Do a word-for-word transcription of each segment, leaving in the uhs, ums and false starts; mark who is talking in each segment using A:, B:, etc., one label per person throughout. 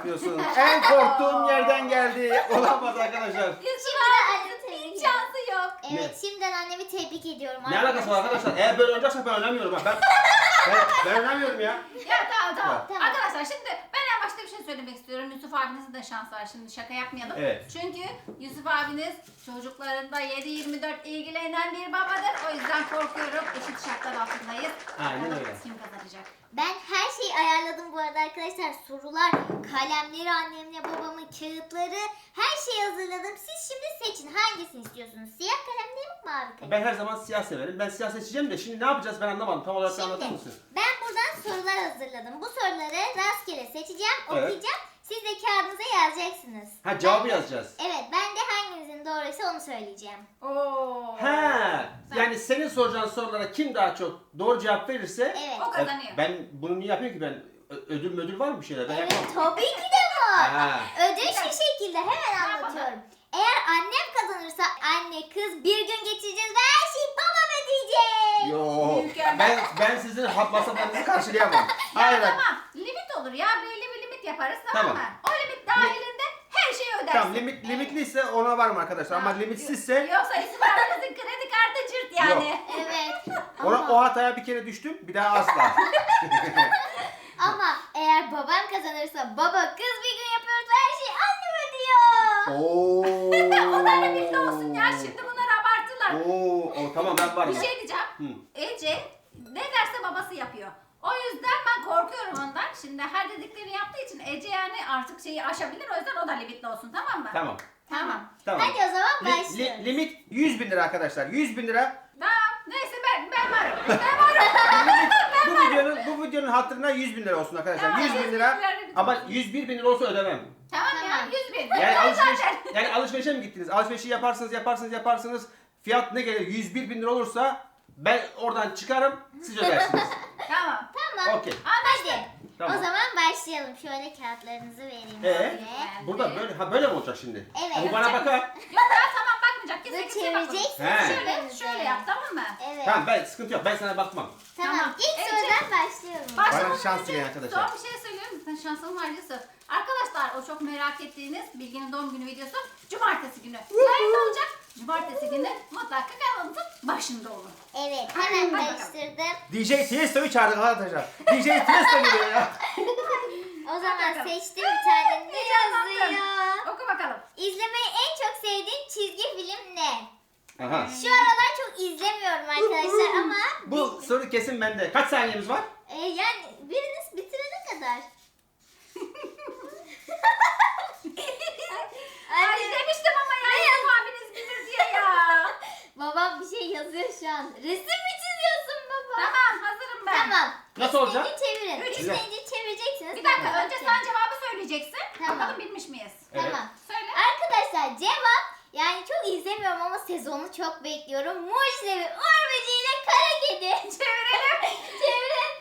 A: yapıyorsun. En korktuğum yerden geldi. Olamaz arkadaşlar.
B: Şimdiden annemi tebrik
C: Hiç
B: ediyorum.
C: şansı yok.
B: Evet, şimdiden annemi tebrik ediyorum.
A: Ne alakası var arkadaşlar? Eğer böyle oynayacaksak ben oynamıyorum. Ben, ben, ben oynamıyorum ya.
C: Ya tamam tamam.
B: Tamam.
C: Arkadaşlar şimdi ben en başta bir şey söylemek istiyorum. Yusuf abinizin de şansı var. Şimdi şaka yapmayalım.
A: Evet.
C: Çünkü Yusuf abiniz çocuklarında yedi yirmi dört ilgilenen bir babadır. O yüzden korkuyorum. Eşit şartlar altındayız.
A: Aynen
C: Bakalım
A: öyle.
C: Kim kazanacak?
B: Ben her şeyi ayarladım bu arada arkadaşlar. Sorular, kalemleri, annemle babamın kağıtları, her şeyi hazırladım. Siz şimdi seçin. Hangisini istiyorsunuz? Siyah kalem değil mi, mavi kalem?
A: Ben her zaman siyah severim. Ben siyah seçeceğim de şimdi ne yapacağız ben anlamadım. Tam olarak anlatır
B: Şimdi
A: mısın?
B: ben buradan sorular hazırladım. Bu soruları rastgele seçeceğim,
A: Evet.
B: okuyacağım. Siz de kağıdınıza yazacaksınız.
A: Ha cevabı
B: Ben-
A: yazacağız.
B: Evet, ben de hanginizin doğruysa onu söyleyeceğim.
C: Oo.
A: Ha, yani senin soracağın sorulara kim daha çok doğru cevap verirse
B: Evet.
C: O kazanıyor.
A: ben bunu niye yapıyorum ki ben Ö- ödül müdül var mı bir şeyler? Ben
B: Evet,
A: yapmam.
B: tabii ki de var.
A: Ha.
B: Ödül şu şekilde, hemen anlatıyorum. Eğer annem kazanırsa anne kız bir gün geçireceğiz ve her şeyi babam ödeyecek.
A: Yo,
C: Mükemmel.
A: ben ben sizin hap masraflarınızı karşılayamam. Hayır bak.
C: Tamam. Limit olur ya. Belli bir limit yaparız tamam,
A: Tamam.
C: mı? O limit dahilinde her şeyi ödersin.
A: Tamam limit limitliyse ona varım arkadaşlar ama
C: Ha,
A: limitsizse
C: Yoksa Yusuf abinizin kredi kartı cırt yani.
B: Evet.
A: ona,
B: Ama,
A: o hataya bir kere düştüm bir daha asla.
B: ama eğer babam kazanırsa baba kız bir gün yapıyoruz ve her şeyi annem ödüyor.
A: Oo.
C: O da limitli olsun ya. Şimdi bunlar abartılar.
A: Oo, o, tamam ben varım.
C: Bir şey diyeceğim.
A: Hı.
C: Ece ne derse babası yapıyor. O yüzden ben korkuyorum ondan. Şimdi her dediklerini yaptığı için Ece yani artık şeyi aşabilir. O yüzden o da limitli olsun tamam mı?
A: Tamam.
C: Tamam.
A: Tamam.
B: Hadi o zaman
A: Li- li-
B: başlıyoruz.
A: limit yüz bin lira arkadaşlar. yüz bin lira.
C: Tamam. Neyse ben ben varım. Ben varım.
A: Bu videonun bu videonun hatırına yüz bin lira olsun arkadaşlar.
C: Tamam,
A: yüz bin
C: yüz
A: lira.
C: bin lira limit
A: Ama
C: olsun.
A: yüz bir bin lira olsa ödemem.
C: Tamam, ya
B: Tamam.
C: yüz bin.
A: Yani
C: Ben
A: alışveriş,
C: zaten-
A: yani alışverişe mi gittiniz? Alışverişi yaparsınız, yaparsınız, yaparsınız. Fiyat ne gelir? yüz bir bin lira olursa ben oradan çıkarım, siz ödersiniz.
C: Tamam.
B: Tamam.
A: Okey.
B: Hadi.
A: Tamam.
B: O zaman başlayalım. Şöyle kağıtlarınızı vereyim.
A: Ee,
B: size.
A: burada böyle ha böyle mi olacak şimdi?
B: Evet.
A: Bu bana bakar.
C: Yok ya tamam bakmayacak.
B: Böyle
C: Kesin kimseye bakmayacak.
B: çevireceksiniz.
A: He.
C: Şöyle, şöyle yap tamam mı?
B: Evet.
A: Tamam ben sıkıntı yok. Ben sana bakmam.
B: Tamam.
C: Tamam.
B: İlk
C: Ece.
B: sorudan başlıyorum.
C: Başlamadan
A: Bana şans
C: önce
A: verin arkadaşlar.
C: Son bir şey söylüyorum. Sen şansın var Yusuf. Arkadaşlar o çok merak ettiğiniz Bilge'nin doğum günü videosu Cumartesi günü. Yayında olacak. Cumartesi günü mutlaka kanalımızın başında olun.
B: Evet.
C: Hadi
B: Hemen
C: bakalım.
B: karıştırdım.
A: D J Tiesto'yu çağırdık arkadaşlar. D J Tiesto geliyor ya.
B: O zaman
C: bakalım.
B: seçtim bir tane. Ne
C: Heyecanlandım.
B: yazıyor?
C: Oku bakalım.
B: İzlemeyi en çok sevdiğin çizgi film ne?
A: Aha.
B: Şu aralar çok izlemiyorum arkadaşlar ama
A: Bu soru kesin bende. Kaç saniyemiz var?
B: e, yani biriniz bitirene kadar.
C: Ay
B: Anne,
C: demiştim ama ya Yusuf abiniz bilir diye ya.
B: babam bir şey yazıyor şu an. Resim mi çiziyorsun baba?
C: Tamam hazırım ben.
B: Tamam.
A: Nasıl olacak?
B: İsteyince çevirin.
C: Üç.
B: İsteyince çevireceksiniz.
C: Bir dakika
B: Ben
C: önce
B: bakacağım.
C: sen cevabı söyleyeceksin.
B: Tamam.
C: Bakalım bilmiş miyiz?
A: Evet.
B: Tamam.
C: Söyle.
B: Arkadaşlar cevap yani çok izlemiyorum ama sezonu çok bekliyorum. Mucizevi Uğur Böceği ile Kara Kedi.
C: Çevirelim.
B: Çevirin.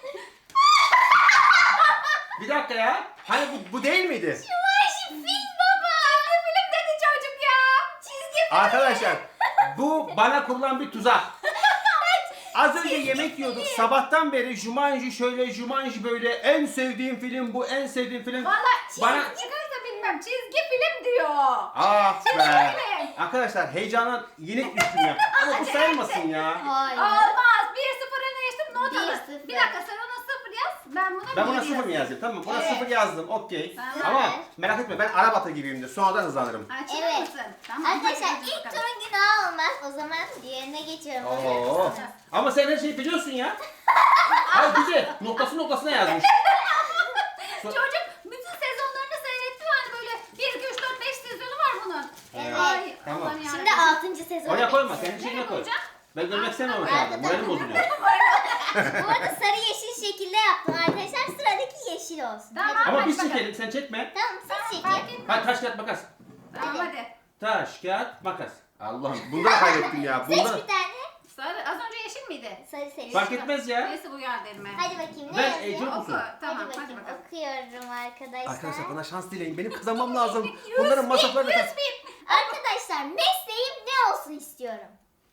A: Bir dakika ya. Hani bu, bu değil miydi?
B: Şu var şu film baba.
C: Çizgi film dedi çocuk ya.
B: Çizgi film.
A: Arkadaşlar bu bana kurulan bir tuzak. Az önce yemek yiyorduk. Sabahtan beri Jumanji şöyle, Jumanji böyle. En sevdiğim film bu, en sevdiğim film.
C: Valla çizgi
A: Bana...
C: çıkarsa bilmem. Çizgi film diyor.
A: Ah
C: Çizgi
A: be.
C: film.
A: Arkadaşlar heyecandan yenik düştüm ya. Ama bu sayılmasın ya.
B: Hayır.
C: Olmaz. bir sıfır öne geçtim not
B: Bir
C: alın.
B: sıfır.
C: Bir dakika sen ona sıfır yaz. Ben buna
A: Ben
C: bir
A: buna
C: yedi
A: sıfır mı
C: yazayım.
A: yazayım? Tamam buna
B: Evet.
A: sıfır yazdım. Okey.
C: Tamam.
A: Ama merak etme ben Arabat'a gibiyimdir. Sonradan hızlanırım.
C: Açılır
B: Evet.
C: mısın? Tamam.
B: Arkadaşlar
C: hadi
B: ilk
C: bakalım.
B: turun günahı olmaz. O zaman diğerine geçiyorum.
A: Oo. Ama sen her şeyi biliyorsun ya. Hayır güzel. Noktası noktasına yazmış.
C: Çocuk bütün sezonlarını seyretti yani böyle bir, iki, üç, dört, beş sezonu var bunun.
B: Evet.
C: Ay,
A: Tamam.
C: Allah'ım
B: Şimdi
C: yarabbim.
B: altıncı sezon.
A: Oraya koyma.
B: bekliyorum.
A: Kendi şeyine koy.
C: koyacağım?
A: Ben görmek istemiyorum şu anda. Moralim bozuluyor.
B: Bu arada sarı yeşil şekilde yaptım arkadaşlar. Sıradaki yeşil olsun.
C: Tamam.
B: Hadi.
A: Ama
C: Hadi
A: biz
C: bakalım.
A: çekelim. Sen çekme.
B: Tamam
C: Tamam,
B: siz
C: fark
B: çekin.
C: etmez.
A: Hadi taş kağıt makas.
C: Tamam hadi.
A: Taş kağıt makas. Allah'ım bunda da kaybettim ya.
B: Seç
A: Bunda
B: bir tane.
C: Sarı. Az önce yeşil miydi?
B: Sarı seç.
A: fark etmez ya.
C: Neyse bu geldi elime.
B: Hadi bakayım ne
A: Ben
B: yazıyor?
A: Ece-
C: Oku.
A: musun?
C: Tamam
B: hadi
C: hadi,
B: bakayım
C: bakalım.
B: okuyorum arkadaşlar.
A: Arkadaşlar bana şans dileyin. Benim kazanmam lazım.
C: Yüz
A: Bunların
C: bin,
A: masraflarını...
C: yüz bin.
B: Arkadaşlar mesleğim ne olsun istiyorum?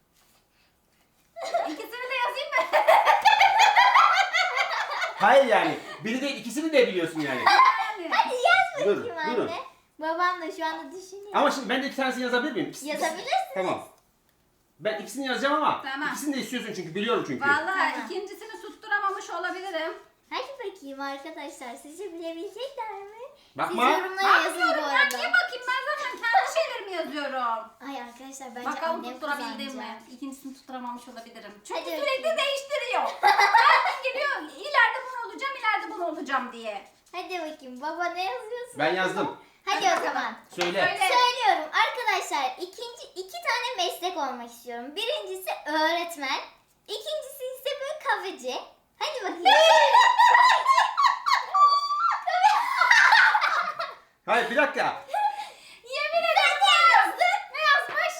C: İkisini de yazayım mı?
A: Hayır yani. Biri değil ikisini de biliyorsun yani.
C: Yani.
B: Hadi yaz
A: Dur,
B: bakayım
A: durun.
B: anne. Babam da şu anda düşünüyor.
A: Ama şimdi ben de iki tanesini yazabilir miyim? İkisi-
B: Yazabilirsiniz.
A: Tamam. Ben ikisini yazacağım ama
C: Tamam.
A: ikisini de istiyorsun çünkü biliyorum çünkü.
C: Vallahi
B: Tamam.
C: ikincisini tutturamamış olabilirim.
B: Hadi bakayım arkadaşlar. Sizce bilebilecekler mi?
A: Bakma.
B: Siz yorumlara yazın bu
C: Bakmıyorum ya,
B: arada.
C: niye bakayım, ben zaten kendi şeylerimi yazıyorum.
B: Ay arkadaşlar bence
C: Bakalım
B: annem
C: tutturabildim mi?
B: kazanacak.
C: İkincisini tutturamamış olabilirim. Çünkü
B: Hadi
C: sürekli
B: bakayım.
C: değiştiriyor. Her gün geliyor, ileride bunu olacağım, ileride bunu olacağım diye.
B: Hadi bakayım baba ne yazıyorsun?
A: Ben yazdım.
B: Hadi o zaman.
A: Söyle.
C: Söyle.
B: Söylüyorum arkadaşlar ikinci iki tane meslek olmak istiyorum. Birincisi öğretmen. İkincisi ise böyle kahveci. Hadi bakayım.
A: Hayır bir dakika.
C: Yemin ederim ne yazdı? Ne yazmış?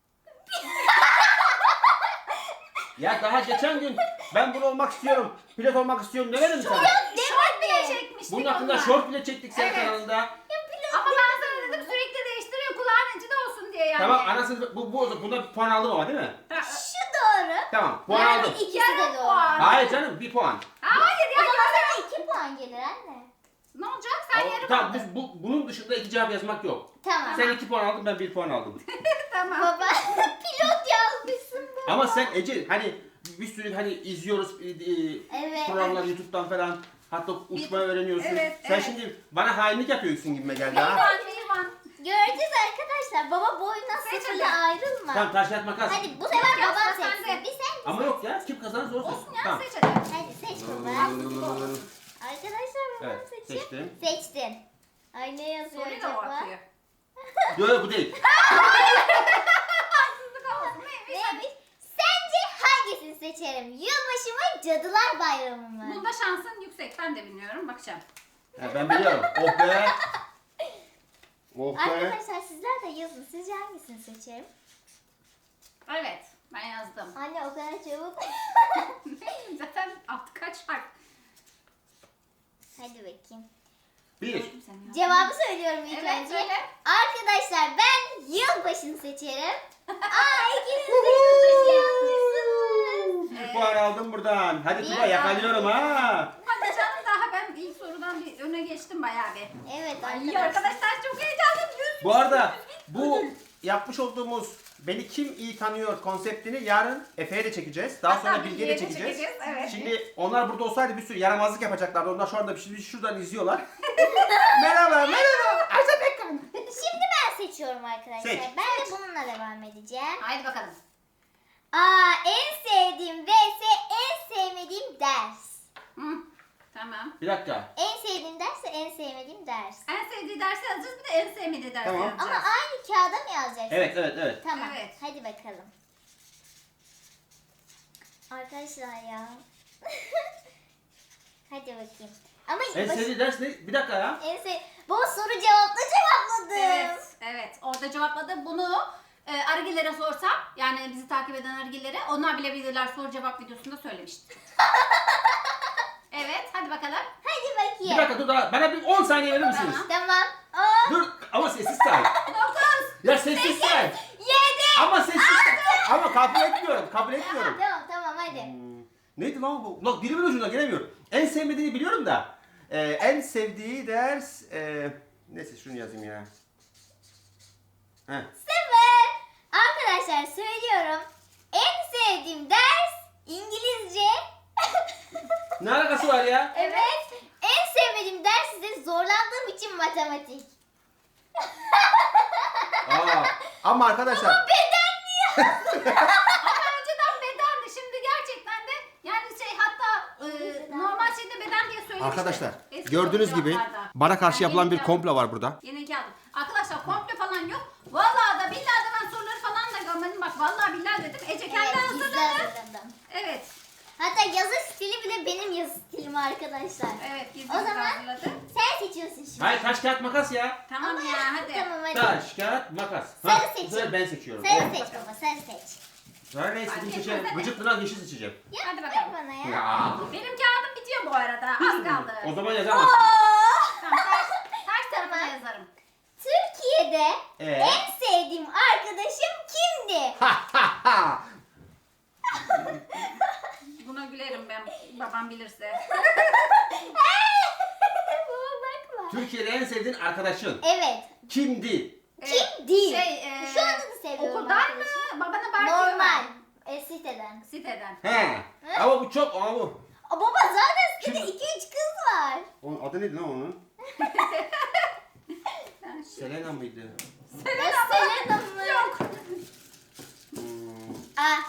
A: Ya daha geçen gün ben bunu olmak istiyorum. Pilot olmak istiyorum demedim mi sana?
C: Şort bile çekmiştik
A: Bunun hakkında
C: onunla.
A: short bile çektik senin
C: Evet.
A: kanalında.
C: Ama ben sana dedim sürekli değiştiriyor, kulağın içinde olsun diye yani.
A: Tamam anasını bu, bu buna bir puan aldım ama değil mi?
C: Ha,
B: Şu doğru.
A: Tamam puan
C: Yani
A: aldım.
B: İkisi
C: Yarım
B: de doğru.
C: puan.
A: Hayır canım bir puan.
C: Hayır
B: O
C: ya,
B: zaman
C: ya.
B: sana iki puan gelir anne.
C: Ne olacak? Sen
A: Ama
C: yarım
A: tamam
C: aldın.
A: bu, bu, bunun dışında iki cevap yazmak yok.
B: Tamam.
A: Sen iki puan aldın ben bir puan aldım.
C: Tamam.
B: Baba pilot yazmışsın baba.
A: Ama sen Ece hani bir sürü hani izliyoruz e, e,
B: Evet.
A: programlar YouTube'dan falan. Hatta uçmayı öğreniyorsun.
C: Evet,
A: Sen
C: evet.
A: şimdi bana hainlik yapıyorsun gibime geldi ha.
C: Meyvan, meyvan.
B: Göreceğiz arkadaşlar. Baba boyuna
C: Seç
B: sıfırda
C: hadi.
B: ayrılma.
A: Tamam taş kağıt makas.
B: Hadi bu sefer
C: Yok,
B: babam
C: yazma sen
B: seçsin.
C: de.
B: Bir sen.
A: Ama yok ya kim kazanır zor
C: Olsun ya,
A: Tamam.
C: seç hadi.
B: Hadi seç baba. Arkadaşlar babam
A: Evet,
B: seçiyor.
A: seçtim.
B: Seçtin. Ay ne yazıyor
C: Soruyu da o
B: acaba?
C: atıyor.
A: Yok yok bu değil.
C: Haksızlık olmasın. Neymiş?
B: Neymiş? Sence hangisini seçerim? Yılbaşı mı, Cadılar Bayramı mı?
C: Bunda şansın yüksek. Ben de bilmiyorum. Bakacağım.
A: Ha, ben biliyorum. Oh be. Oh be.
B: Arkadaşlar sizler de yazın. Sizce hangisini seçerim?
C: Evet. Ben yazdım.
B: Anne o kadar çabuk.
C: Zaten alt kaç harf?
B: Hadi bakayım.
A: Bir.
C: Gördüm seni ya.
B: Cevabı söylüyorum ilk
C: Evet,
B: önce.
C: söyle.
B: Arkadaşlar ben yılbaşını seçerim. Aa ikiniz de yılbaşı yazmışsınız.
A: Bir puan aldım buradan. Hadi
B: Bir
A: Tuba yakalıyorum ha.
C: Hadi canım, daha ben ilk sorudan bir öne geçtim bayağı bir.
B: Evet
C: Ay
B: arkadaşlar.
C: arkadaşlar çok heyecanlıyım.
A: Bu arada bu yapmış olduğumuz Beni Kim İyi Tanıyor konseptini yarın Efe'ye de çekeceğiz. Daha sonra
C: Hatta
A: Bilge'ye de
C: Bilge'ye de
A: çekeceğiz.
C: çekeceğiz, evet.
A: Şimdi onlar burada olsaydı bir sürü yaramazlık yapacaklardı. Onlar şu anda bir şey şuradan izliyorlar. Merhaba, merhaba. Ayşe Pekkan.
B: Şimdi ben seçiyorum arkadaşlar.
A: Seç.
B: Ben de bununla devam edeceğim.
C: Haydi bakalım.
B: Aa en sevdiğim vs en sevmediğim ders.
C: Hı. Tamam.
A: Bir dakika.
B: En sevdiğim ders ve en sevmediğim ders.
C: En sevdiği dersi yazacağız, bir de en sevmediği dersi
A: Tamam.
C: yazacağız.
B: Ama aynı kağıda mı yazacaksın?
A: Evet, evet, evet.
B: Tamam.
C: Evet.
B: Hadi bakalım. Arkadaşlar ya. Hadi bakayım. Ama
A: En
B: baş-
A: sevdiği ders ne? Bir dakika ya.
B: en sev... Baba soru cevapla cevapladım.
C: Evet, evet. Orada cevapladı. Bunu e, Argilere sorsam, yani bizi takip eden Argilere, onlar bilebilirler, soru cevap videosunda söylemiştim. Evet, hadi bakalım.
B: Hadi
A: Bir
B: bakayım.
A: dakika dur daha. Bana bir on saniye verir misiniz?
C: Tamam.
B: Tamam. On,
A: Dur ama sessiz say.
C: dokuz,
A: Ya sessiz say.
B: yedi.
A: Ama sessiz say. Ama kabul etmiyorum. Kabul etmiyorum.
B: Tamam tamam hadi.
A: Hmm, Neydi lan bu? Lan dilimin ucunda gelemiyorum. En sevmediğini biliyorum da. Ee, en sevdiği ders... E, neyse şunu yazayım ya. Heh.
B: Sıfır. Arkadaşlar söylüyorum. En sevdiğim ders İngilizce.
A: Ne alakası var ya?
B: Evet. En sevmediğim ders ise zorlandığım için matematik.
A: Aa, ama arkadaşlar...
B: Beden mi ya?
C: Ama önceden bedendi. Şimdi gerçekten de yani şey, hatta e, normal şeyde beden diye söylemiştim.
A: Arkadaşlar
C: Eski
A: gördüğünüz gibi
C: cevaplarda.
A: bana karşı
C: Ben
A: yapılan
C: yeni
A: bir
C: geldim.
A: komplo var burada.
C: Yeni geldim. Arkadaşlar komple falan yok. Vallahi da billahi de ben soruları falan da görmedim. Bak vallahi billahi dedim. Ece kendi
B: Evet gizli
C: hazırladı.
B: hazırladım.
C: Evet.
B: Hatta yazı stili bile benim yazı stilim arkadaşlar.
C: Evet, gizli
B: O zaman
C: hazırladı.
B: sen seçiyorsun şimdi.
A: Hayır taş kağıt makas ya.
C: Tamam
B: Ama-
C: ya, hadi.
B: Tamam hadi.
A: Taş kağıt makas.
B: Sarı
A: bu
B: seçin.
A: sefer ben seçiyorum.
B: Sarı
A: Evet.
B: seç baba sarı seç.
A: Sarı ne istediğim
C: Hadi,
A: seçerim.
C: hadi.
A: Gıcıklığına yeşil seçeceğim.
B: Ya,
C: Hadi
B: ver
C: bakalım.
B: bana ya.
A: Ya.
C: Benim kağıdım bitiyor bu arada. Az kaldı.
A: O zaman yazamazsın.
B: Oo!
C: Tamam, ters, ters tarafına
B: Tamam.
C: yazarım.
B: Türkiye'de
A: Ee?
B: en sevdiğim arkadaşım kimdi?
A: Ha ha ha.
C: Buna gülerim ben, babam bilirse.
B: Baba bakma.
A: Türkiye'de en sevdiğin arkadaşın
B: Evet.
A: kimdi?
B: Kim değil?
C: Şey, e,
B: Şu anda da seviyorum.
C: Okuldan mı?
B: arkadaşım.
C: Babana belki
B: Normal. E, siteden.
C: Siteden.
A: He. Ama bu çok ama bu.
B: Aa, baba zaten sitede
A: Kim?
B: iki üç kız var.
A: Onun adı neydi lan onun?
C: Yani şey-
A: Selena mıydı?
B: Ya Selena mı?
C: Yok.
A: Hmm.
B: Aa,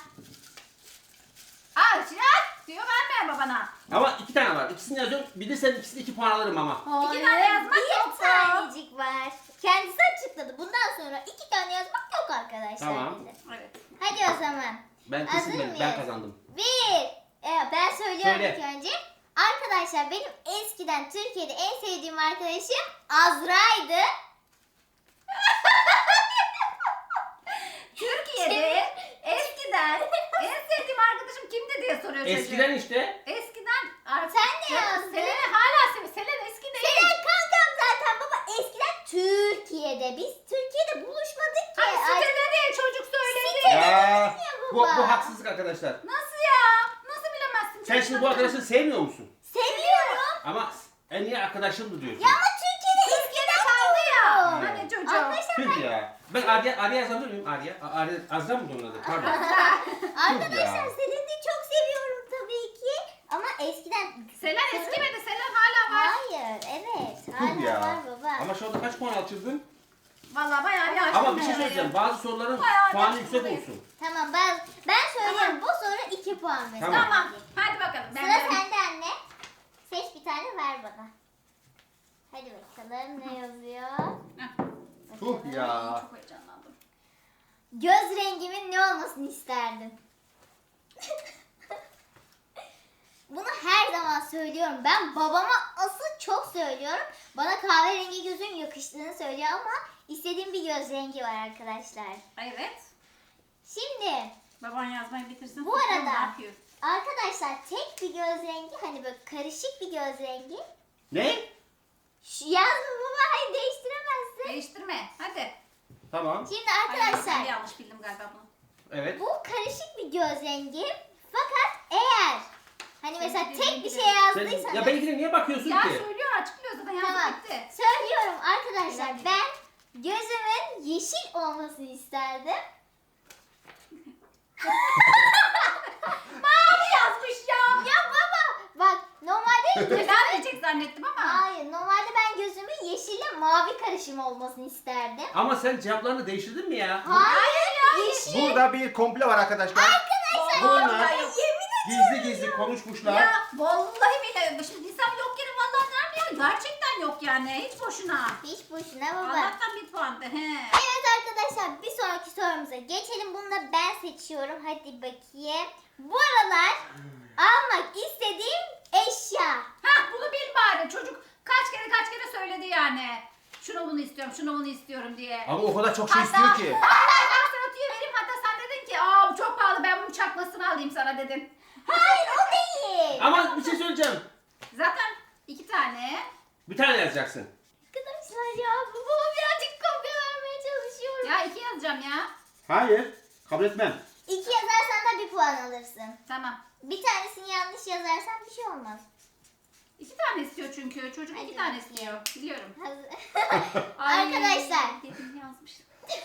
C: Aa şirat diyor verme babana.
A: Ama iki tane var. İkisini yazıyorum. Bilirsen ikisini iki puan alırım ama.
C: İki tane yazmak
B: bir
C: yok.
B: tanecik var. Kendisi açıkladı. Bundan sonra iki tane yazmak yok arkadaşlar.
A: Tamam.
B: dedi.
C: Evet.
B: Hadi o zaman.
A: Ben
B: Hazır
A: kesin ben, ben
B: mıyız?
A: kazandım.
B: Bir. Evet, ben söylüyorum
A: Söyle.
B: ilk önce. Arkadaşlar benim eskiden Türkiye'de en sevdiğim arkadaşım Azra'ydı.
C: Türkiye'de eskiden en sevdiğim arkadaşım kimdi diye soruyor çocuğum.
A: Eskiden işte.
C: Eskiden artık.
B: Sen ne yazdın?
C: Selena hala seviyor. Selena eski değil.
B: Senin kankam zaten baba eskiden Türkiye'de. Biz Türkiye'de buluşmadık ki.
C: Hani
B: Ay,
C: sitede diye çocuk söyledi.
B: Sitede.
A: Ya, bu,
B: baba.
A: bu haksızlık arkadaşlar.
C: Nasıl ya? Nasıl bilemezsin?
A: Sen şimdi bu arkadaşı sevmiyor musun?
B: Seviyorum.
A: Ama en iyi arkadaşımdı diyorsun.
B: Ya ama Türkiye'de
C: Türkiye'de
B: eskiden
C: kaldı ya.
B: yok.
C: Hani çocuğum.
B: Arkadaşlar
A: Tüh ya. Ben Arya, Arya yazabilir miyim? Arya. A- Arya Azra mı onun adı? Pardon.
B: Arkadaşlar
A: ya.
B: Selen'i çok seviyorum tabii ki. Ama eskiden...
C: Selen eskimedi. Selen hala var.
B: Hayır, evet.
A: Tüh
B: Hala
A: ya.
B: var baba.
A: Ama şu anda kaç puan açıldın?
C: Vallahi bayağı bir açtım.
A: Ama bir şey
C: ben
A: söyleyeceğim.
C: araya.
A: Bazı soruların
C: Bayağı
A: puanı
C: açtım
A: yüksek
C: burayı.
A: olsun.
B: Tamam ben ben söylüyorum. Bu soru iki puan verin.
A: Tamam.
C: Tamam. Hadi bakalım. Ben
B: Sıra
C: de-
B: sende anne. Seç bir tane ver bana. Hadi bakalım ne yazıyor?
C: Heh,
A: Tuh ya.
C: Çok heyecanlandım.
B: Göz rengimin ne olmasını isterdim? Bunu her zaman söylüyorum. Ben babama asıl çok söylüyorum. Bana kahverengi gözün yakıştığını söylüyor ama istediğim bir göz rengi var arkadaşlar.
C: Evet.
B: Şimdi
C: Baban yazmayı bitirsin.
B: Bu
C: bakalım
B: arada-
C: ne yapıyor?
B: arkadaşlar tek bir göz rengi hani böyle karışık bir göz rengi.
A: Ne?
B: Şu yazma baba hayır değiştiremezsin.
C: Değiştirme. Hadi.
A: Tamam.
B: Şimdi
C: Ay, ben
B: arkadaşlar
C: de yanlış bildim galiba bunu.
A: Evet.
B: bu karışık bir göz rengi fakat eğer hani mesela
C: Senin
B: tek
C: dediğin
B: bir
C: gibi.
B: şey
A: Sen,
B: yazdıysanız
A: ya benimkine niye bakıyorsun
C: Ya
A: ki?
C: söylüyor açıklıyor zaten yazdı
B: tamam
C: bitti.
B: söylüyorum arkadaşlar
C: Eğlenceli.
B: ben gözümün yeşil olmasını isterdim.
C: Mavi yazmış ya.
B: Ya baba bak normalde
C: Neden diyecek zannettim ama.
B: hayır normalde ben gözümün yeşille mavi karışımı olmasını isterdim.
A: Ama sen cevaplarını değiştirdin mi ya?
B: Hayır ya yeşil.
A: Burada bir komple var arkadaşlar.
B: Arkadaşlar
A: Bunlar
B: vallahi yemin
A: gizli gizli konuşmuşlar.
C: Ya vallahi bile şimdi insan yok yere vallahi nerede ya? Gerçekten yok yani. Hiç boşuna.
B: hiç boşuna baba.
C: Allah'tan bir puandı. He.
B: Evet arkadaşlar bir sonraki sorumuza geçelim. Bunu da ben seçiyorum. Hadi bakayım. Bu aralar almak istediğim eşya.
C: Hah bunu bil bari. Çocuk kaç kere kaç kere söyledi yani. Şunu bunu istiyorum, şunu bunu istiyorum diye.
A: Ama o kadar çok şey
C: Hatta-
A: istiyor ki.
C: Vallahi ben sana tüyo vereyim. Hatta sen dedin ki aa bu çok pahalı ben bunun çakmasını alayım sana dedin.
B: Hayır o değil.
A: Ama bir şey söyleyeceğim.
C: Zaten iki tane.
A: Bir tane yazacaksın.
B: Arkadaşlar ya babama birazcık kopya vermeye çalışıyorum.
C: Ya iki yazacağım ya.
A: Hayır. Kabul etmem.
B: İki yazarsan da bir puan alırsın.
C: Tamam.
B: Bir tanesini yanlış yazarsan bir şey olmaz.
C: İki tane istiyor çünkü. Çocuk
B: Hadi
C: iki tane
B: bakayım.
C: istiyor. Biliyorum.
B: Hazır.
C: Ay,
B: Arkadaşlar
C: dedim yazmıştım.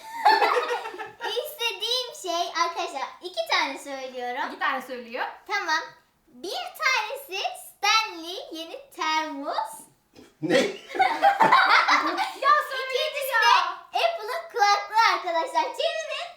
B: istediğim şey arkadaşlar iki tane söylüyorum.
C: İki tane söylüyor.
B: Tamam. Bir tanesi Stanley yeni termos.
A: Ne?
C: Ya söyledi
B: İkincisi
C: ya.
B: de Apple'ın kulaklığı arkadaşlar. Çevirin.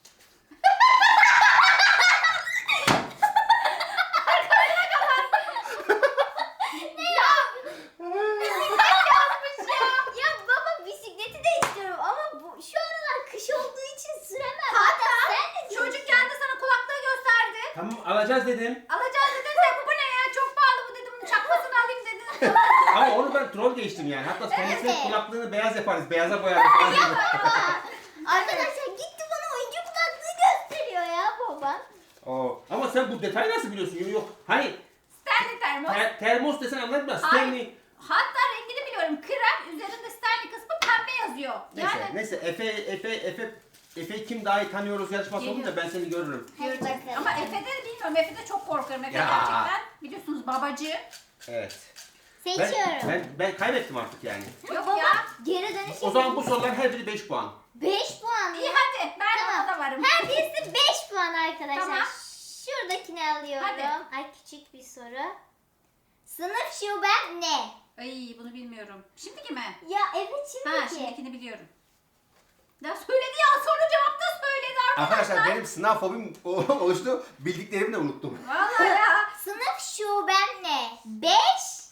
C: Yazmış ya.
B: Ya baba bisikleti de istiyorum ama bu şu aralar kış olduğu için süremem.
C: Hatta
B: sen de
C: Çocuk kendi sana kulaklığı gösterdi.
A: Tamam alacağız dedim.
C: Alacağız dedin de bu ne ya çok pahalı bu dedim. Bunun çakmasını alayım dedin.
A: Ama onu ben troll geçtim yani. Hatta kendisinin
B: Evet.
A: kulaklığını beyaz yaparız. Beyaza boyarız falan dedim.
B: Arkadaşlar gitti bana oyuncu kulaklığı gösteriyor ya baba.
A: Oo. Ama sen bu detayı nasıl biliyorsun? Yok, yok. Hani
C: Stanley termos.
A: ter- termos desen anlatmaz.
C: Hayır.
A: Stanley.
C: Hatta rengini biliyorum. Krem üzerinde Stanley kısmı pembe yazıyor.
A: Neyse,
C: Yani
A: neyse. Efe, Efe, Efe, Efe kim daha iyi tanıyoruz yarışması
C: Geliyor.
A: olunca ben seni görürüm.
B: Hadi
C: göreceğiz.
B: bakalım.
C: Ama Efe'de bilmiyorum. Efe'de çok korkarım. Efe
A: Ya.
C: gerçekten biliyorsunuz babacı.
A: Evet.
B: Seçiyorum.
A: Ben, ben, ben kaybettim artık yani.
C: Yok
B: Baba
C: ya.
B: geri dönüş
A: O zaman bu soruların her biri beş puan.
B: beş puan
C: İyi
B: ya.
C: hadi. Ben
B: Tamam.
C: ona da varım.
B: Her birisi beş puan arkadaşlar.
C: Tamam.
B: Şuradakini alıyorum.
C: Hadi.
B: Ay küçük bir soru. Sınıf şuben ne?
C: Ay bunu bilmiyorum. Şimdiki mi?
B: Ya evet
C: Ha
B: şimdiki.
C: şimdikini biliyorum. Ya söyledi ya soru cevapta söyledi arkadaşlar.
A: Arkadaşlar benim sınav fobim o- oluştu. Bildiklerimi de unuttum.
C: Vallahi ya.
B: Sınıf şuben ne? beş.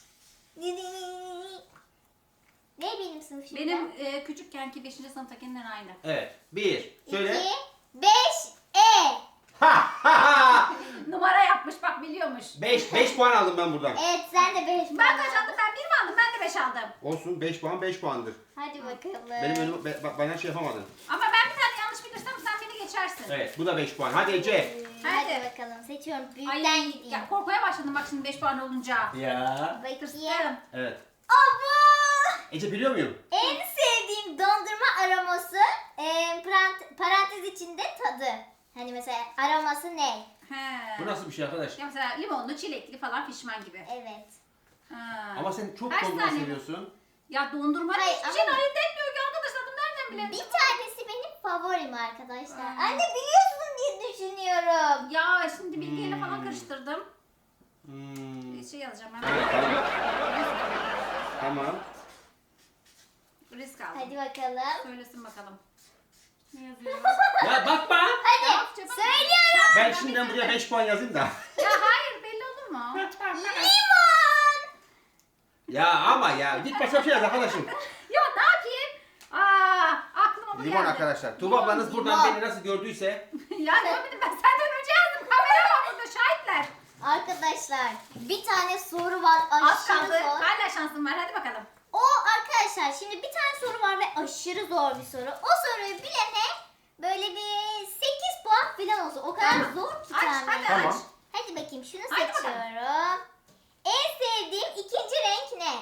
B: Ne benim sınıf şubem?
C: Benim e, küçükkenki beşinci sınıftakinden aynı.
A: Evet. Bir. Söyle.
B: iki, beş, E.
A: Ha ha ha.
C: Numara yapmış bak biliyormuş.
A: beş. beş puan aldım ben buradan.
B: Evet sen de beş puan
C: Ben kaç
B: aldın.
C: aldım? Ben bir mi aldım? Ben de beş aldım.
A: Olsun beş puan beş puandır.
B: Hadi bakalım.
A: Benim önüm be- ba- bana şey yapamadın.
C: Ama ben bir tane yanlış bilirsem sen beni geçersin.
A: Evet bu da beş puan. Hadi Ece.
B: Hadi.
C: Hadi.
B: bakalım seçiyorum. Büyükten
C: Ay
B: gideyim.
C: ya korkmaya başladım bak şimdi beş puan olunca.
A: Ya.
B: Bakayım.
C: Tırsım.
A: Evet.
B: Abo!
A: Ece biliyor muyum?
B: En sevdiğim dondurma aroması e, parant- parantez içinde tadı. Hani mesela aroması ne?
C: He.
A: Bu nasıl bir şey arkadaş?
C: Ya mesela limonlu, çilekli falan pişman gibi.
B: Evet.
C: Ha.
A: Ama sen çok
C: Kaç
A: dondurma
C: tane?
A: seviyorsun.
C: Ya dondurma
B: Hayır,
C: hiçbir şeyin
B: ama-
C: ayırt etmiyor ki arkadaşlar. Bunu nereden bilelim?
B: Bir tanesi benim favorim arkadaşlar.
C: Aa.
B: Anne biliyorsun diye düşünüyorum.
C: Ya şimdi bilgiyle
A: Hmm.
C: falan karıştırdım.
A: Hmm.
C: Bir şey yazacağım ben.
A: Evet, tamam. Tamam.
C: Risk aldım.
B: Hadi bakalım.
C: Söylesin bakalım. Ne yazıyor?
A: Ya bakma.
B: Hadi
C: Yok, cevap-
B: söylüyorum.
A: Ben şimdiden buraya beş puan yazayım da.
C: Ya hayır belli olur mu?
B: Limon.
A: Ya ama ya git başka bir şey yaz arkadaşım.
C: Ya ne yapayım? Aa, aklıma bu
A: Limon
C: geldi.
A: arkadaşlar. Tuğba ablanız buradan
B: limon.
A: beni nasıl gördüyse.
C: Ya görmedim ben senden önce yazdım. Kamera var burada şahitler.
B: Arkadaşlar bir tane soru var
C: Az
B: aşırı
C: kaldı.
B: zor.
C: Hala şansım var. Hadi bakalım.
B: O arkadaşlar şimdi bir tane soru var ve aşırı zor bir soru. O soruyu bilene böyle bir sekiz puan falan olsun. O kadar
C: Tamam.
B: zor ki
C: Aç,
B: tahmin.
C: hadi
A: Tamam.
C: aç.
B: Hadi bakayım şunu
C: Hadi bakalım.
B: seçiyorum. En sevdiğim ikinci renk ne?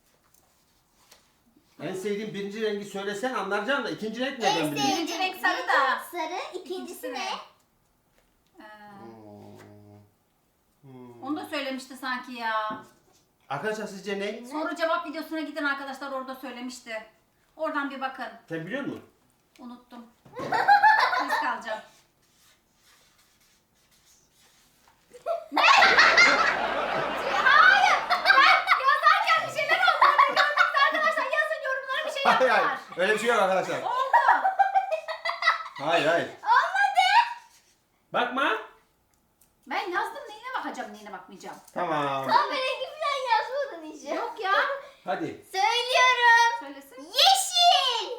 A: En sevdiğim birinci rengi söylesen anlayacağım da ikinci renk
B: En
A: nereden bileyim?
B: sevdiğim
C: Birinci renk sarı da.
B: Sarı. İkincisi
C: İkincisi
B: ne?
C: ne? Ee,
A: Hmm.
C: onu da söylemişti sanki ya.
A: Arkadaşlar sizce ne?
C: Soru cevap videosuna gidin arkadaşlar orada söylemişti. Oradan bir bakın.
A: Sen biliyor musun?
C: Unuttum. Risk alacağım. Hayır. Ben yazarken bir şeyler oldu. Orada gördünüz arkadaşlar. Yazın yorumlara bir şey
A: Hayır hayır.
C: yaptılar.
A: Öyle bir şey yok arkadaşlar.
C: Oldu.
A: Hayır hayır.
B: Olmadı.
A: Bakma.
C: Ben yazdım neyine bakacağım neyine bakmayacağım.
A: Tamam.
B: Kahverengi falan yazmadın hiç.
C: Yok ya.
A: Hadi.
C: Söylüyorum. Söylesin.
B: Yeşil.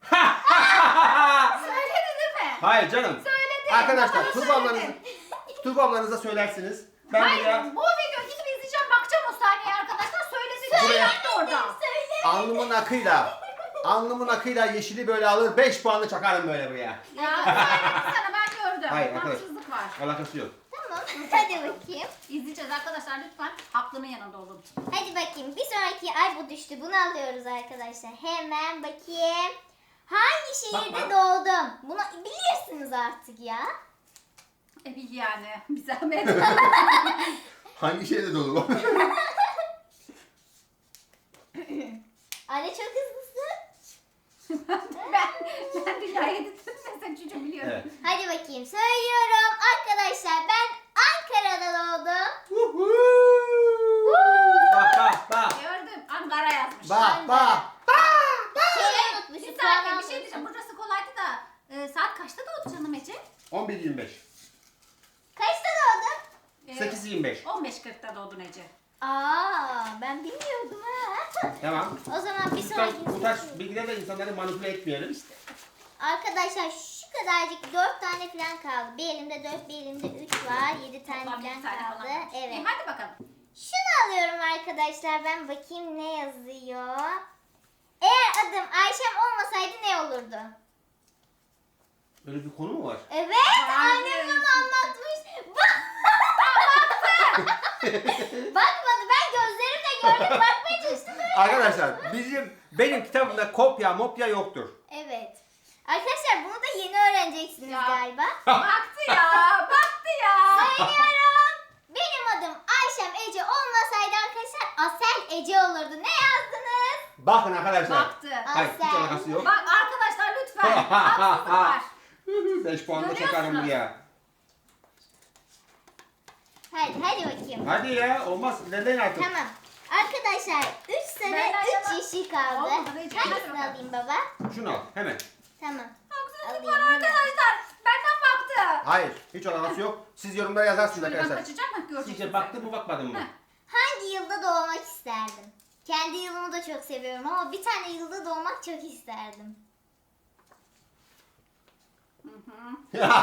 C: Söyledi değil mi?
A: Hayır canım.
C: Söyledi.
A: Arkadaşlar
C: Bana
A: Tuğba ablanız,
C: söyledi.
A: Tuğba ablanıza söylersiniz. Ben
C: Hayır
A: buraya
C: bu video gidip izleyeceğim bakacağım o saniye arkadaşlar söyledi.
A: Buraya-
C: Söyledi orada.
B: Söyle.
A: alnımın akıyla, alnımın akıyla yeşili böyle alır beş puanlı çakarım böyle buraya.
C: Ya söyledi sana ben gördüm.
A: Hayır, arkadaş.
C: Haksızlık var.
A: Alakası yok.
B: Tamam. Hadi bakayım.
C: İzleyeceğiz arkadaşlar lütfen aklımın yanında olun.
B: Hadi bakayım. Bir sonraki ay bu düştü. Bunu alıyoruz arkadaşlar. Hemen bakayım. Hangi şehirde
A: Bakma.
B: doğdum? Bunu bilirsiniz artık ya.
C: E bil yani bir zahmet.
A: Hangi şeyde dolu?
B: Anne çok hızlısın.
C: ben, ben dünyaya getirdim sen çocuğu biliyorum.
A: Evet.
B: Hadi bakayım. Söylüyorum. Arkadaşlar ben Ankara'da doğdum.
A: Bak bak bak.
C: Gördüm Ankara yazmış.
A: Bak bak.
B: Şeyi unutmuşum.
C: Bir
B: puan
C: saniye bir şey
B: almışım.
C: diyeceğim. Burası kolaydı da e, saat kaçta doğdu canım Ece?
A: on bir yirmi beş.
B: Kaçta doğdun?
C: E,
A: sekiz yirmi beş.
C: on beş kırkta doğdun Ece.
B: Aa, ben bilmiyordum ha.
A: Tamam.
B: O zaman bir
A: Bu tarz,
B: sonraki
A: bu tarz bilgilerle insanları manipüle etmeyelim.
B: Arkadaşlar şu kadarcık dört tane falan kaldı. Bir elimde dört, bir elimde üç var. Yedi tane
C: Toplam yedi
B: falan
C: tane
B: kaldı.
C: falan kalmış.
B: Evet.
C: E, hadi bakalım.
B: Şunu alıyorum arkadaşlar. Ben bakayım ne yazıyor. Eğer adım Ayşem olmasaydı ne olurdu?
A: Böyle bir konu mu var?
B: Evet,
C: Hayır.
B: annem bana anlatmış. Bak- Bakmadı. Ben gözlerimle gördüm. Bakmaya çalıştım. öyle.
A: Arkadaşlar bizim benim kitabımda kopya mopya yoktur.
B: Evet. Arkadaşlar bunu da yeni öğreneceksiniz
C: Ya.
B: galiba.
C: Baktı ya. Baktı ya.
B: Söylüyorum. Benim adım Ayşem Ece olmasaydı arkadaşlar Asel Ece olurdu. Ne yazdınız?
A: Bakın arkadaşlar.
C: Baktı.
A: Hayır hiç
B: Asel.
A: alakası yok.
C: Bak arkadaşlar lütfen. Haksızlık var.
A: beş puan da
C: Görüyorsunuz.
A: çakarım buraya.
B: Hadi hadi bakayım.
A: Hadi ya olmaz. Neden artık?
B: Tamam. Arkadaşlar üç sarı
C: Benden
B: üç
C: yana-
B: yeşil kaldı.
C: Olmadı, hiç
B: Hangisini
C: yapmadım.
B: alayım baba?
A: Şunu al hemen.
B: Tamam.
C: Haksızlık
B: Alayım
C: var
B: hemen.
C: arkadaşlar. Benden baktı.
A: Hayır hiç alakası yok. Siz yorumlara yazarsınız
C: Şuradan
A: arkadaşlar.
C: kaçacak mı görecek
A: Sizce
C: misin?
A: baktın mı bakmadın mı?
C: Heh.
B: Hangi yılda doğmak isterdim? Kendi yılımı da çok seviyorum ama bir tane yılda doğmak çok isterdim.
C: Hı hı.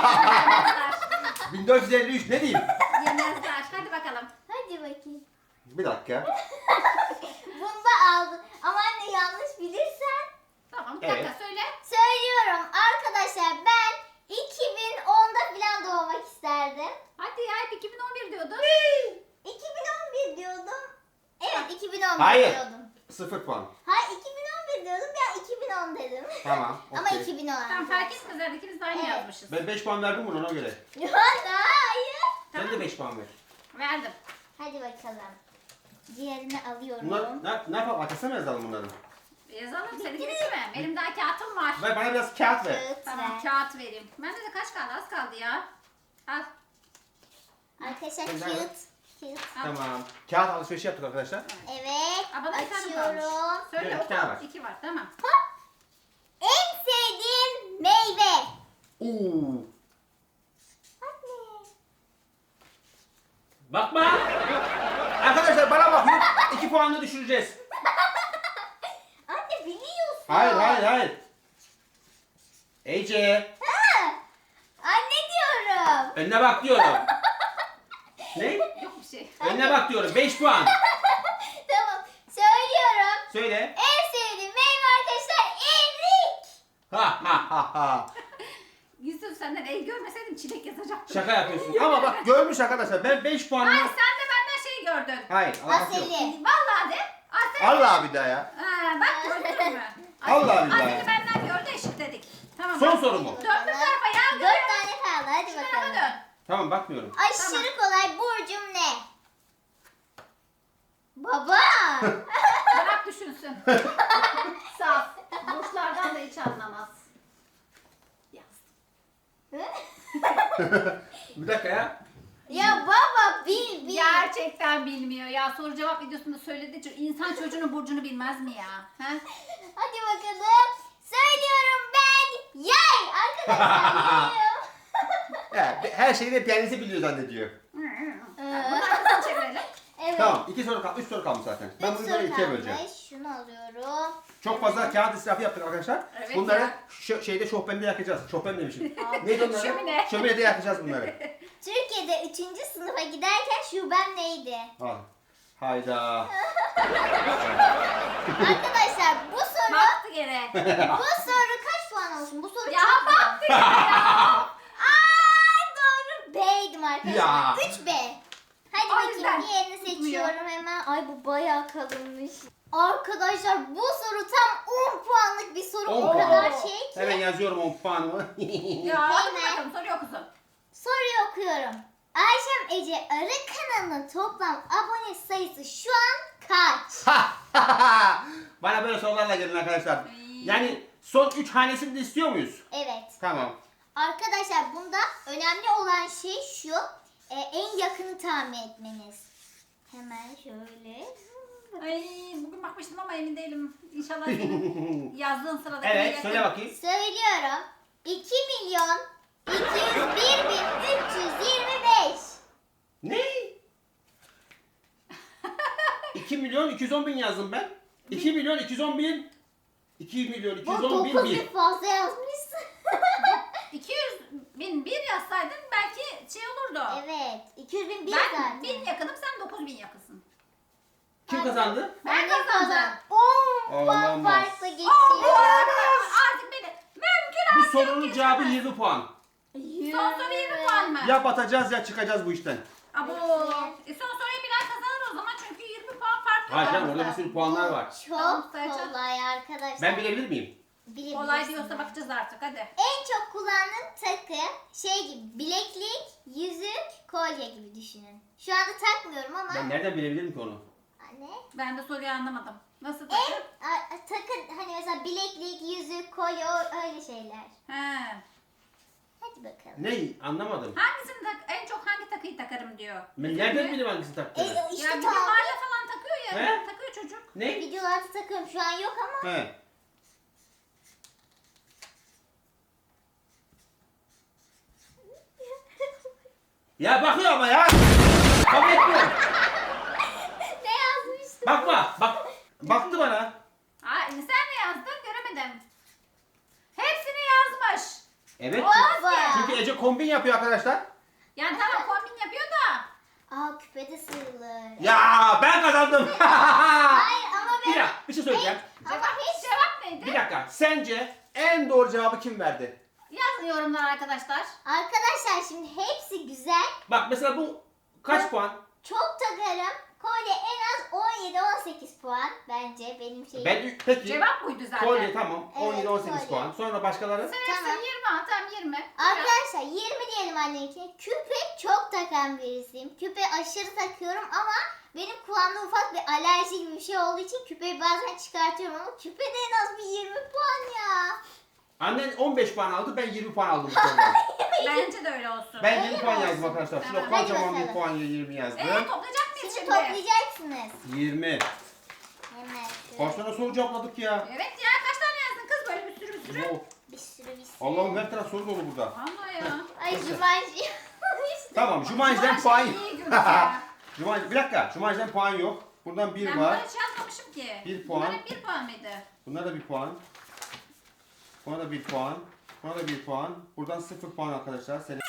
A: bin dört yüz elli üç ne diyeyim?
C: Yemezler. Hadi bakalım.
B: Hadi bakayım.
A: Bir dakika.
B: Bunu da aldın. Ama anne yanlış bilirsen.
C: Tamam bir
A: Evet.
C: dakika söyle.
B: Söylüyorum arkadaşlar ben iki bin onda falan doğmak isterdim.
C: Hadi ya hep iki bin on bir diyordun.
B: iki bin on bir diyordum. Evet iki bin on bir
A: Hayır.
B: diyordum.
A: Sıfır puan.
B: Hayır iki bin on bir diyordum ya iki bin on dedim.
A: Tamam.
B: Ama
A: okey.
B: iki bin on.
C: Tamam fark etmez herhalde ikimiz de aynı
B: Evet.
C: yazmışız.
A: Ben beş puan verdim buna ona göre.
B: Ya hayır.
A: Sen de beş puan ver.
C: Verdim.
B: Hadi bakalım. Diğerini alıyorum.
A: Bunlar ne, ne yapalım? Arkasına mı yazalım bunları?
C: Yazalım seni bitti mi? Benim daha kağıtım var.
A: Ver bana biraz kağıt ver.
B: Kağıt
C: Tamam
B: ver.
C: kağıt vereyim. Bende de kaç kaldı? Az kaldı ya. Al.
B: Arkadaşlar
A: Sen
B: kağıt.
A: ver.
B: Kağıt.
C: al.
A: Tamam. Kağıt alışverişi yaptık arkadaşlar.
B: Evet.
C: Aa, bana bir tane
B: Açıyorum.
C: kalmış. Söyle
A: Evet,
C: oku.
A: iki tane var.
C: İki var tamam.
B: En sevdiğim meyve.
A: Oo.
B: Anne.
A: Bakma. Arkadaşlar bana bakın. iki puanla düşüreceğiz.
B: Anne biliyorsun.
A: Hayır hayır hayır. Ece.
B: Ha. Anne diyorum.
A: Önüne bak diyorum. Ne?
C: Yok bir şey.
A: Önüne bak diyorum. beş puan.
B: Tamam. Söylüyorum.
A: Söyle.
B: En sevdiğim meyve arkadaşlar erik.
A: Ha ha ha ha.
C: Yusuf senden el görmeseydim çilek yazacaktım.
A: Şaka yapıyorsun. Ama bak görmüş arkadaşlar. Ben beş
C: Hayır
A: puanla...
C: sen de benden şey gördün.
A: Hayır. alakası yok.
B: Aseli.
C: Vallahi de. Asel.
A: Allah bir daha ya.
C: Ha, bak gördün mü?
A: Allah billahi.
C: Asel'i benden gördü eşitledik. Tamam.
A: Son
C: bak.
A: soru mu?
C: Döndür tarafa ya.
B: Dört tane kaldı. Hadi
C: Şu tarafa
B: bakalım.
C: dön.
A: Tamam bakmıyorum.
B: Aşırı kolay. Burcum ne? Baba.
C: Bırak düşünsün. Saf. Burçlardan da hiç anlamaz. Yaz.
A: Bir dakika ya.
B: Ya baba bil bil.
C: Gerçekten bilmiyor ya. Soru cevap videosunda söyledi. İnsan çocuğunun burcunu bilmez mi ya? He?
B: Hadi bakalım. Söylüyorum ben yay. Arkadaşlar yayım.
A: Ya, her şeyi de kendisi biliyor zannediyor.
C: Bunu arkasını çevirelim.
B: Evet.
A: Tamam iki soru kaldı. Üç soru kalmış zaten. Ben
B: Üç
A: bunu
B: soru
A: böyle ikiye
B: kalmış.
A: böleceğim.
B: Şunu alıyorum.
A: Çok fazla kağıt israfı yaptık arkadaşlar.
C: Evet
A: bunları
C: ya.
A: şu şeyde şofbende yakacağız. Şofben demişim. Neydi onları?
C: Şömine.
A: Şöminede yakacağız bunları.
B: Türkiye'de üçüncü sınıfa giderken şubem neydi?
A: Ha. Hayda.
B: Arkadaşlar bu soru
C: Baktı gene.
B: bu soru kaç puan olsun? Bu soru
C: Ya
B: çok güzel.
C: baktı gene ya.
B: Ay doğru B'ydim arkadaşlar.
A: Ya.
B: üç B. Hadi
C: O
B: bakayım
C: yüzden
B: diğerini
C: tutmuyor.
B: seçiyorum hemen. Ay bu bayağı kalınmış. Arkadaşlar bu soru tam on puanlık bir soru.
A: on
B: O
A: puan.
B: kadar şey ki.
A: Hemen yazıyorum on puanımı.
C: Ya hadi
B: Hemen.
C: bakalım soruyu okusun.
B: Soruyu okuyorum. Ayşem Ece Arı kanalının toplam abone sayısı şu an kaç?
A: Bana böyle sorularla gelin arkadaşlar. Yani son üç hanesini de istiyor muyuz?
B: Evet.
A: Tamam.
B: Arkadaşlar bunda önemli olan şey şu. e, en yakını tahmin etmeniz. Hemen şöyle.
C: Ay bugün bakmıştım ama emin değilim. İnşallah senin yazdığın sırada.
A: Evet söyle bakayım.
B: Söylüyorum. iki milyon iki yüz bir bin üç yüz yirmi beş.
A: Ne? iki milyon iki yüz on bin yazdım ben. iki milyon iki yüz on bin. iki milyon iki yüz
B: Bu
A: on bin
B: dokuz
A: bir.
B: bin fazla yazmışsın.
C: iki yüz bin bir yazsaydın belki şey olurdu.
B: Evet. iki yüz bin bir
C: Ben
B: zaten.
C: bin yakınım sen dokuz bin yakınsın.
A: Kim kazandı?
C: Ben
B: de
C: kazandım.
B: on puan
A: Olamaz.
B: farkla
C: Aa, bu
B: geçiyor.
C: arada artık beni mümkün
A: Bu
C: artık
A: sorunun cevabı
C: geçemez.
A: yirmi puan.
C: Son soru yirmi puan mı?
A: Ya batacağız ya çıkacağız bu işten.
C: Abo. E son soruyu Bilal kazanır o zaman çünkü yirmi puan fark
A: Hayır
C: var.
A: canım orada bir sürü puanlar var.
C: Tamam,
B: Çok
C: sayacağım.
B: kolay arkadaşlar.
A: Ben bilebilir miyim?
B: Bilebilirsiniz.
C: Kolay diyorsa bakacağız artık hadi.
B: En çok kullandığım takı şey gibi bileklik, yüzük, kolye gibi düşünün. Şu anda takmıyorum ama
A: Ben nereden bilebilirim ki onu?
B: Ne?
C: Ben de soruyu anlamadım. Nasıl
B: En
C: takı?
B: a- a- takı hani mesela bileklik, yüzük, kolye o- öyle şeyler.
C: He.
B: Hadi bakalım.
A: Ne? Anlamadım.
C: Hangisini tak en çok hangi takıyı takarım diyor.
A: Ben nereden bileyim hangisini
B: E,
A: taktığını?
B: o
C: Ya
B: işte tam
C: videolarda falan takıyor ya.
A: He?
C: Takıyor çocuk.
A: Ne?
B: videolarda takıyorum şu an yok ama.
A: He. Ya bakıyor ama ya. Kabul etmiyor.
B: Ne yazmıştım?
A: Bakma. Bak. Baktı bana.
C: Aa, sen ne yazdın? Göremedim. Hepsini yazmış.
A: Evet.
B: Baba.
A: Çünkü Ece kombin yapıyor arkadaşlar.
C: Yani tamam kombin yapıyor da.
B: Aa küpede sığılır.
A: Ya ben kazandım.
B: Hayır ama ben...
A: Bir dakika bir şey söyleyeceğim.
B: Ama
C: Cevap,
B: hiç...
C: cevap neydi?
A: Bir dakika. Sence en doğru cevabı kim verdi?
C: Yazın yorumlara arkadaşlar.
B: Arkadaşlar şimdi hepsi güzel.
A: Bak mesela bu kaç puan?
B: Çok takarım. Kolye en az on yedi on sekiz puan bence benim şeyim.
A: Ben peki.
C: Cevap buydu zaten.
A: Kolye tamam.
B: Evet,
A: on yedi on sekiz
B: kolye.
A: puan. Sonra başkaları?
C: Sen hepsi
B: Tamam.
C: yirmi ha tamam yirmi.
B: Arkadaşlar yirmi diyelim anneninkine. Küpe çok takan birisiyim. Küpe aşırı takıyorum ama benim kulağımda ufak bir alerji gibi bir şey olduğu için küpeyi bazen çıkartıyorum ama küpede en az bir yirmi puan ya.
A: Annen on beş puan aldı. Ben yirmi puan aldım bu sorudan.
C: Bence de öyle olsun.
A: Ben
B: Öyle
A: yirmi
B: mi
A: puan
B: olsun?
A: yazdım arkadaşlar. Şurada
C: Tamam,
B: hadi
A: kocaman bir
B: bakalım.
A: puan yirmi yazdım.
C: Eee toplayacak mıyız
B: Şimdi
C: şimdi?
B: toplayacaksınız.
A: yirmi.
B: Hemen şöyle.
A: Kaç tane soru cevapladık ya?
C: Evet ya kaç tane yazdın kız böyle bir sürü bir sürü.
A: Oh,
B: Bir sürü bir sürü.
A: Allah'ım her taraf soru dolu burada.
C: Vallahi ya.
B: Ay Jumanji. İşte.
A: Tamam Jumanji'den
C: Her
A: puan
C: şey iyi görünüyor ya.
A: Jumanji, bir dakika. Jumanji'den puan yok. Buradan bir
C: Ben
A: var.
C: bunları hiç yazmamışım ki.
A: Bir puan.
C: Bunlar hep bir puan mıydı?
A: Buna da bir puan. Buna da bir puan. Buna da bir puan. Buradan sıfır puan arkadaşlar. Senin...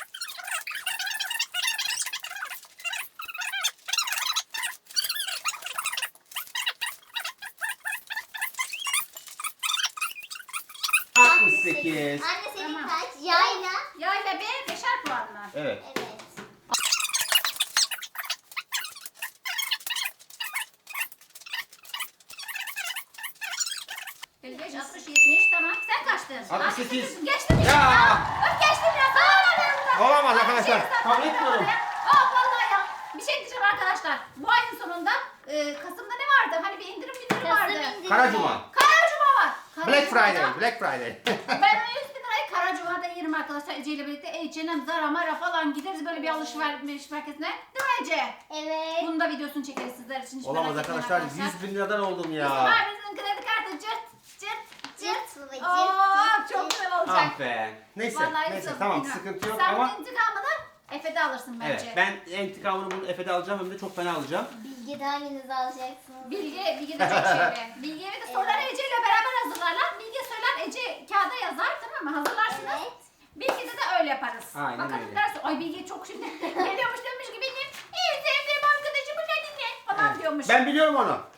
A: altmış sekiz.
B: Anne senin
C: Tamam.
B: kaç? Yayla.
C: Yayla bir beşer puan mı?
A: Evet.
B: Evet.
C: elli beş, altmış, yetmiş tamam. Sen kaçtın?
A: altmış sekiz.
C: altmış Geçtin mi?
A: Ya!
C: Bak geçtin ya. Aa,
A: Olamaz arkadaşlar. Kabul etmiyorum.
C: Aa vallahi ya. Bir şey diyeceğim arkadaşlar. Bu ayın sonunda e, Kasım'da ne vardı? Hani bir indirim günü vardı.
B: Kasım indirimi.
A: Kara Cuma.
C: Kara Cuma var. Kara
A: Black
C: Cuma'da
A: Friday. Black Friday.
C: Ben o yüz bin lirayı Kara Cuma'da yerim arkadaşlar. Ece ile birlikte H and M, Zara, Mara falan gideriz böyle bir alışveriş merkezine. Değil mi Ece?
B: Evet.
C: Bunun da videosunu çekeriz sizler için. Hiç
A: Olamaz
C: merak etmeyin
A: arkadaşlar. yüz bin liradan oldum ya.
C: Abimizin kredi kartı cırt cırt cırt.
B: Cırt baba cırt.
C: Aa
B: cırt,
C: çok
B: cırt.
C: güzel olacak.
A: Ah be. Neyse.
C: Vallahi
A: Neyse
C: Yusuf,
A: tamam
C: bilmiyorum.
A: sıkıntı yok
C: Sen
A: ama.
C: bunun intikamını Efe'de alırsın bence.
A: Evet ben intikamını bunu Efe'de alacağım hem de çok fena alacağım.
B: Bilge hanginizi alacaksınız?
C: Bilge, Bilge de çok şeyli. Bilge ve de soruları Ece ile beraber hazırlarlar. Bilge söyler, Ece kağıda yazar tamam mı? Hazırlarsınız.
B: Evet.
C: Bilge'de de öyle yaparız.
A: Aynen
C: Bakalım
A: öyle.
C: derse, ay Bilge çok şimdi geliyormuş demiş ki benim en sevdiğim arkadaşımın adı ne? Falan diyormuş.
A: Ben biliyorum onu.